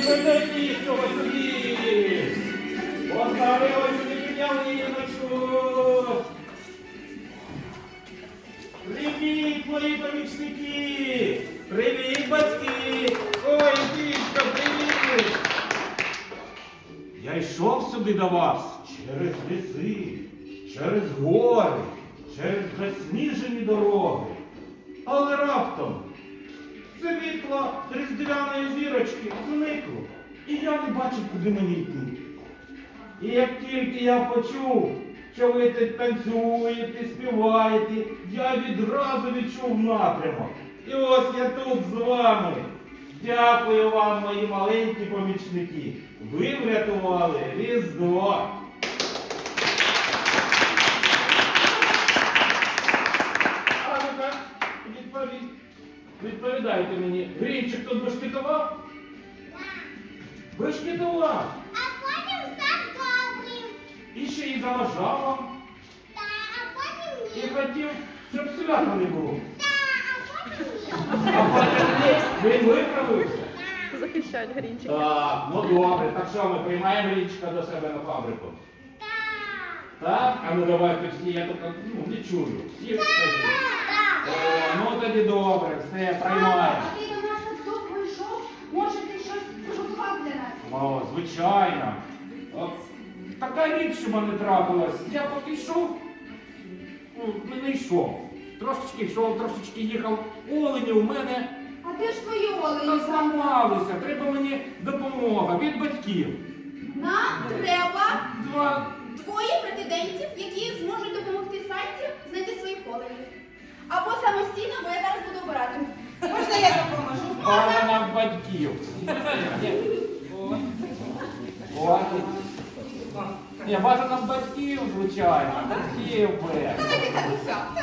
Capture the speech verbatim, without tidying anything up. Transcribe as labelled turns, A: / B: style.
A: Придайте цього собі! Поставили собі ялиночку! Привіт, мої помічники! Привіт, батьки! Ой, дітко, привіт! Я йшов сюди до вас через ліси, через гори, через засніжені дороги. Але раптом світло різдвяної зірочки зникло, і я не бачив, куди мені йти. І як тільки я почув, що ви тут танцюєте, співаєте, я відразу відчув напрямок. І ось я тут з вами. Дякую вам, мої маленькі помічники. Ви врятували Різдво. А ну-ка, відповідь. Відповідайте мені, Грінчик тут бешкетував? Бешкетував.
B: А потім став добрим.
A: І ще й заважав вам.
B: Та, а потім
A: І
B: ні.
A: хотів, щоб свята не було.
B: Та, а потім ні.
A: А потім він виправився.
C: Захищать Грінчика.
A: Так, ну добре. Так що, ми приймаємо Грінчика до себе на фабрику?
B: Та,
A: Так? А ну давайте всі, я тут ну, не чую. Всі скажіть.
B: та.
A: О, ну тоді добре, все, приймаємо.
D: А ти до нас так довго йшов? Може, ти щось приготував для нас?
A: О, звичайно. От, така річ, що в мене трапилась. Я поки йшов, ну, не йшов. Трошечки йшов, трошечки їхав. Олені у мене
D: А де ж твої олені?
A: зламалися. Треба мені допомога від батьків.
D: Нам треба
A: Два.
D: двоє претендентів, які зможуть допомогти Санті знайти своїх оленів. Або самостійно, бо я зараз буду обирати. Можна я допоможу?
A: Пана батьків. О. О. Ні, бажано батьків, звичайно. Батьків би.
D: Давайте татуся.